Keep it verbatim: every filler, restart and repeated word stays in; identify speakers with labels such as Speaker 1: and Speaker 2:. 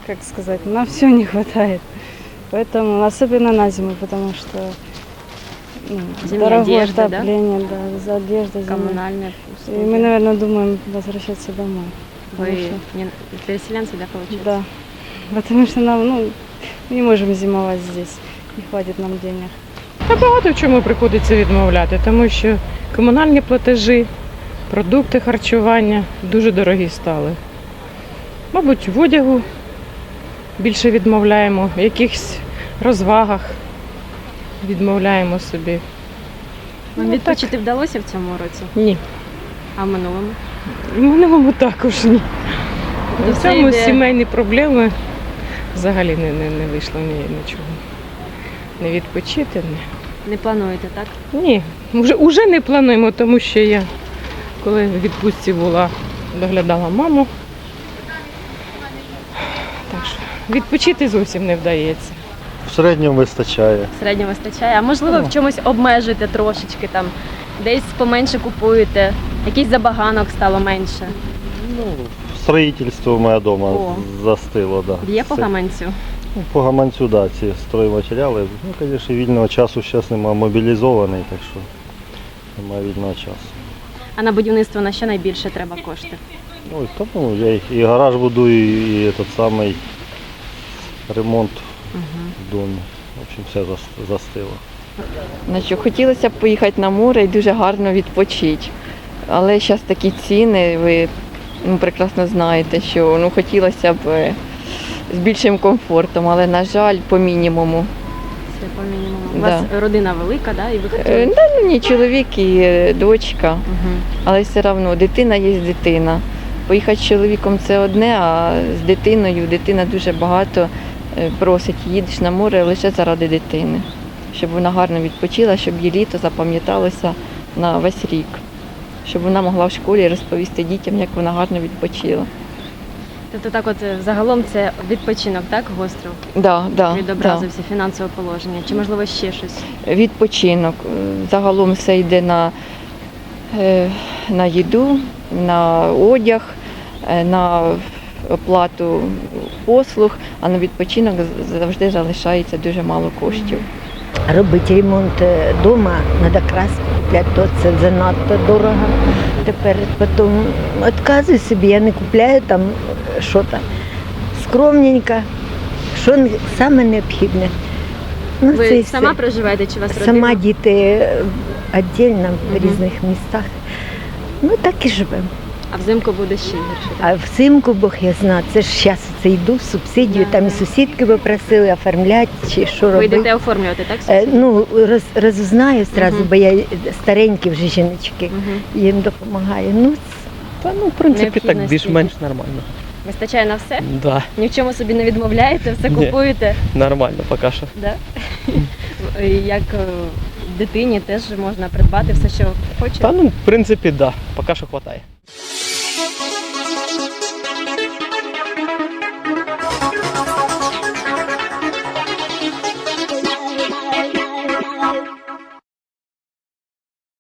Speaker 1: как сказать, нам все не хватает. Поэтому, особенно на зиму, потому что ну,
Speaker 2: Зимняя
Speaker 1: дорогое
Speaker 2: одежда,
Speaker 1: отопление, да? Да, за одеждой.
Speaker 2: Коммунальные
Speaker 1: И мы, наверное, думаем возвращаться домой.
Speaker 2: Вы
Speaker 1: потому что-
Speaker 2: не переселенцы, да, получается?
Speaker 1: Да, потому что нам, ну, не можем зимовать здесь, не хватит нам денег.
Speaker 3: Та багато в чому приходиться відмовляти, тому що комунальні платежі, продукти харчування дуже дорогі стали. Мабуть, в одягу більше відмовляємо, в якихось розвагах відмовляємо собі.
Speaker 2: Вам
Speaker 3: Ну,
Speaker 2: відпочити вдалося в цьому році?
Speaker 3: Ні.
Speaker 2: А в минулому?
Speaker 3: В минулому також ні.
Speaker 2: То
Speaker 3: В
Speaker 2: це
Speaker 3: цьому
Speaker 2: йде-
Speaker 3: сімейні проблеми взагалі не, не, не вийшло ні, нічого. Не відпочити, ні.
Speaker 2: Не плануєте, так?
Speaker 3: Ні, вже, вже не плануємо, тому що я, коли в відпустці була, доглядала маму. Так що відпочити зовсім не вдається.
Speaker 4: В середньому вистачає.
Speaker 2: Середньо вистачає. А можливо, в чомусь обмежуєте трошечки там, десь поменше купуєте, якийсь забаганок стало менше.
Speaker 4: Ну, строїтельство в мене вдома
Speaker 2: О.
Speaker 4: застило. Да.
Speaker 2: Б'є по
Speaker 4: Це-
Speaker 2: гаманцю.
Speaker 4: Ну, по гаманцю, да, ці стройматеріали. Ну, звісно, вільного часу зараз немає, мобілізований, так що немає вільного часу.
Speaker 2: А на будівництво на що найбільше треба кошти?
Speaker 4: Ну, і тому я і- і гараж будую, і, і той самий ремонт в домі. В общем, все зас- застило.
Speaker 5: Значить, хотілося б поїхати на море і дуже гарно відпочити. Але зараз такі ціни, ви ну, прекрасно знаєте, що ну, хотілося б е, з більшим комфортом, але, на жаль, по мінімуму.
Speaker 2: Це по мінімуму. У
Speaker 5: Да.
Speaker 2: вас родина велика, да? І ви
Speaker 5: Е,
Speaker 2: хотіли?
Speaker 5: Да, ну, ні, чоловік і е, дочка,
Speaker 2: Угу.
Speaker 5: але все одно дитина є дитина. Поїхати з чоловіком це одне, а з дитиною дитина дуже багато е, просить, їдеш на море лише заради дитини, щоб вона гарно відпочила, щоб її літо запам'яталося на весь рік, щоб вона могла в школі розповісти дітям, як вона гарно відпочила.
Speaker 2: Тобто так от е, загалом це відпочинок, так, гостро?
Speaker 5: Да, да,
Speaker 2: Відобразився фінансове положення. Чи можливо ще щось?
Speaker 5: да. Відпочинок. Е, Загалом все йде на, е, на їду, на одяг, е, на оплату послуг, а на відпочинок з- завжди залишається дуже мало коштів.
Speaker 6: Робити ремонт вдома, треба краску купляти, то це занадто дорого. Тепер потім відказую собі, я не купляю там що там. Скромненько, що не- саме необхідне. Ну, це
Speaker 2: Ви
Speaker 6: і
Speaker 2: сама
Speaker 6: все.
Speaker 2: проживаєте чи у вас родина?
Speaker 6: Сама діти віддільно в
Speaker 2: Мгм.
Speaker 6: різних містах. Ну так і живемо.
Speaker 2: А взимку буде ще гірше. так?
Speaker 6: А взимку, Бог я знаю, це ж зараз це йду в субсидію,
Speaker 2: Да,
Speaker 6: там і
Speaker 2: да.
Speaker 6: сусідки оформляти оформляти чи що
Speaker 2: Ви
Speaker 6: робити.
Speaker 2: йдете оформлювати, так?
Speaker 6: Е, Ну, роз, розузнаю одразу,
Speaker 2: Мгм.
Speaker 6: бо я старенькі вже жіночки,
Speaker 2: Угу.
Speaker 6: їм допомагаю. Ну,
Speaker 7: Та ну, в принципі, так
Speaker 2: Необхідності.
Speaker 7: більш-менш нормально.
Speaker 2: Вистачає на все?
Speaker 7: Да,
Speaker 2: Ні в чому собі не відмовляєте, все
Speaker 7: Ні.
Speaker 2: купуєте?
Speaker 7: нормально поки що.
Speaker 2: Да? Як е, дитині теж можна придбати все, що хоче.
Speaker 7: Та ну, в принципі, да, поки що вистачає.